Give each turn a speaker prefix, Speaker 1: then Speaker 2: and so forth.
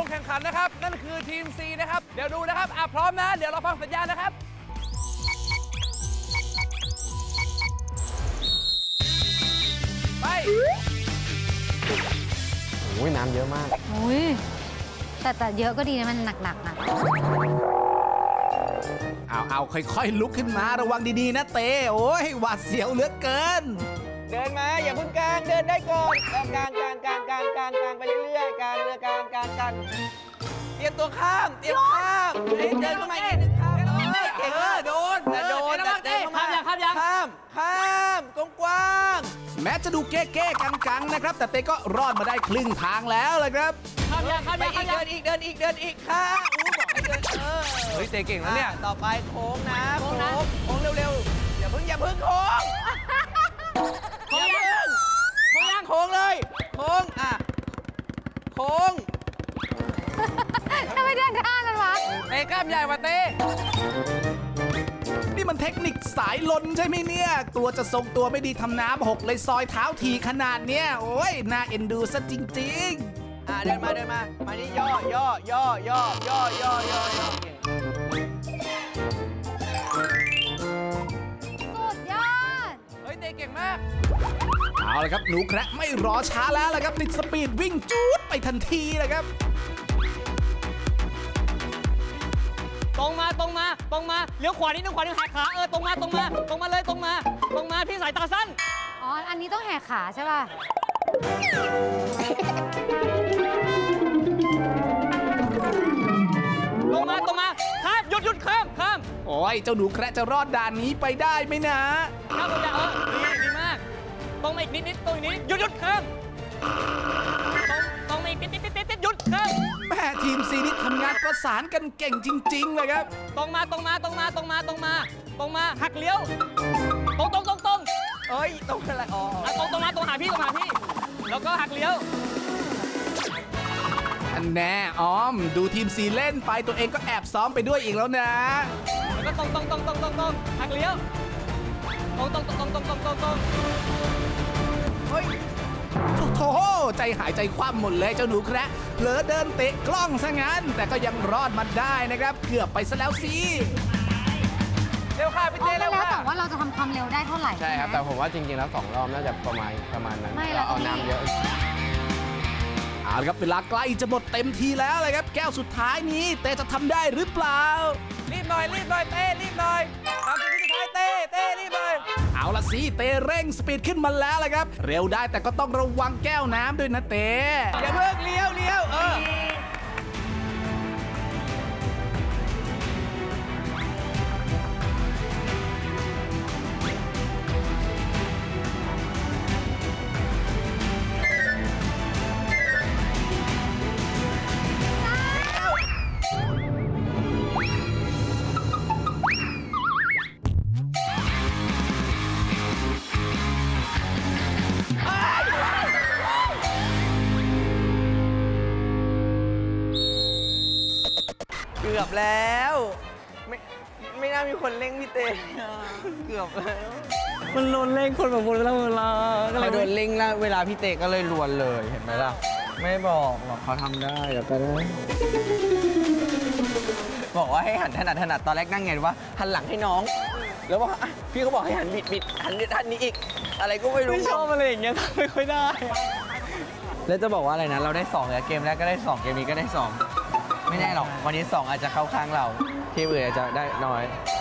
Speaker 1: แข่งขันนะครับนั่นคือทีม C นะครับเดี๋ยวดูนะครับพร้อมนะเดี๋ยวเราฟังสัญญาณนะครับไป
Speaker 2: โอ้ยน้ำเยอะมาก
Speaker 3: อุ้ยแต่เยอะก็ดีนะมันหนักๆนะ
Speaker 4: เอาค่อยๆลุกขึ้นมาระวังดีๆนะเต้โอ้ยหวาดเสียวเหลือเกิน
Speaker 5: เดินมาอย่าเพิ่งกลางเดินได้ก่อนกลางไปเรื่อยๆกลางเรือกลางเตรียมตัวข้ามเดินเข้ามาอีกนิดนึงข้ามเก่งโดนเดินเข้ามาข้ามกว้าง
Speaker 4: แม้จะดูเก้ๆกังๆนะครับ แต่เต้ก็รอดมาได้ครึ่งทางแล้วเลยครับ
Speaker 5: ไปอีกเดินอีกข้ามบอกให้เดิน
Speaker 1: เฮ้ยเตะเก่งแล้วเนี่ย
Speaker 5: ต่อไปโค้งนะโค้งเร็วๆอย่าเพิ่งโค้งโค้งเลยโค้งโค้ง
Speaker 3: ทำไมเดินข้างกันวะ
Speaker 1: เตะกล้ามใหญ่กว่าเตะ
Speaker 4: นี่มันเทคนิคสายลนใช่ไหมเนี่ยกลัวจะทรงตัวไม่ดีทำน้ำหกเลยซอยเท้าทีขนาดเนี้ยโอ้ยน่าเอ็นดูซะจริงๆ
Speaker 5: เดินมามานี่ย่อโอเค
Speaker 3: สุดยอด
Speaker 1: เฮ้ยเตะเก่งมาก
Speaker 4: เอาละครับหนูแคระไม่รอช้าแล้วละครับติดสปีดวิ่งจู๊ดไปทันทีเลยครับ
Speaker 6: ตรงมาเลี้ยวขวานิดนึงแหกขาตรงมาเลยพี่สายตาสั้น
Speaker 3: อ๋อ อันนี้ต้องแหกขาใช่ป่ะ
Speaker 6: ตรงมาข้ามหยุดข้าม
Speaker 4: โอ้ยเจ้าหนูแคระจะรอดด่านนี้ไปได้ไหมนะ
Speaker 6: ข้ามตรงนี้ดีมากตรงมาอีกนิดตรงนี้หยุดข้ามตรงมาอีกนิดหยุดข้าม
Speaker 4: แม่ทีมซีนี่ทำงานประสานกันเก่งจริงๆเลยครับ
Speaker 6: ตรงมาหักเลี้ยวตรง
Speaker 5: เอ้ยตรงอะไรอ๋อ
Speaker 6: ตรงมาหาพี่แล้วก็หักเลี้ยว
Speaker 4: อันแน่ออม ดูทีมซีเล่นไปตัวเองก็แอบซ้อมไปด้วยอีกแล้วนะ
Speaker 6: แล้วก็ตรงหักเลี้ยวตรง
Speaker 5: เฮ้ย
Speaker 4: โถ่ใจหายใจคว่ำหมดเลยเจ้าหนูแคระเผลอเดินเตะกล้องซะงั้น แต่ก็ยังรอดมาได้นะครับ เกือบไปซะแล้วสิ
Speaker 1: เร็วค่ะพี่
Speaker 3: อ๋อ
Speaker 1: เต้
Speaker 3: ก็
Speaker 1: เร็ว
Speaker 3: แล้ว
Speaker 1: ค่ะ
Speaker 3: แต่ว่าเราจะทำความเร็วได้เท่าไหร่
Speaker 2: ใช่ครับ แต่ผมว่าจริงๆ แล้ว2 รอบน่าจะประมาณนั้น
Speaker 3: ไม่แล้ว
Speaker 2: เอาน้ำเยอะ
Speaker 4: เอาละครับเวลาใกล้จะหมดเต็มทีแล้วเลยครับ แก้วสุดท้ายนี้เตจะทำได้หรือเปล่า
Speaker 1: รีบหน่อยเต้รีบหน่อย30 วิสุดท้ายเต้รีบเลย
Speaker 4: เอาละสิเตเร่งสปีดขึ้นมาแล้วเลยครับ เร็วได้แต่ก็ต้องระวังแก้วน้ำด้วยนะเต
Speaker 5: อย่าเพิ่งเลี้ยวเกือบแล้วไม่น่ามีคนเร่งพี่เต้เกือบแล้ว
Speaker 6: มันโดนเร่งคนแบบวนเวลา
Speaker 5: เขาโดนเร่งแล้วเวลาพี่เต้ก็เลยลวนเลยเห็นไหมล่ะไม่บอกหรอกเขาทำได้เดี๋ยวไปได้บอกว่าให้หันถนัดตอนแรกนั่งไงว่าหันหลังให้น้อง แล้วว่าพี่เขาบอกให้หันบิดหันนี้อีก อะไรก็ไม่รู้
Speaker 6: ไม่ชอบอะไรอย่างเงี้ยไม่ค่อยได้
Speaker 5: แล้วจะบอกว่าอะไรนะเราได้2แล้วเกมแรกก็ได้2เกมนี้ก็ได้2ไม่แน่หรอกวันนี้2อาจจะเข้าข้างเราทีมอื่นอาจจะได้น้อย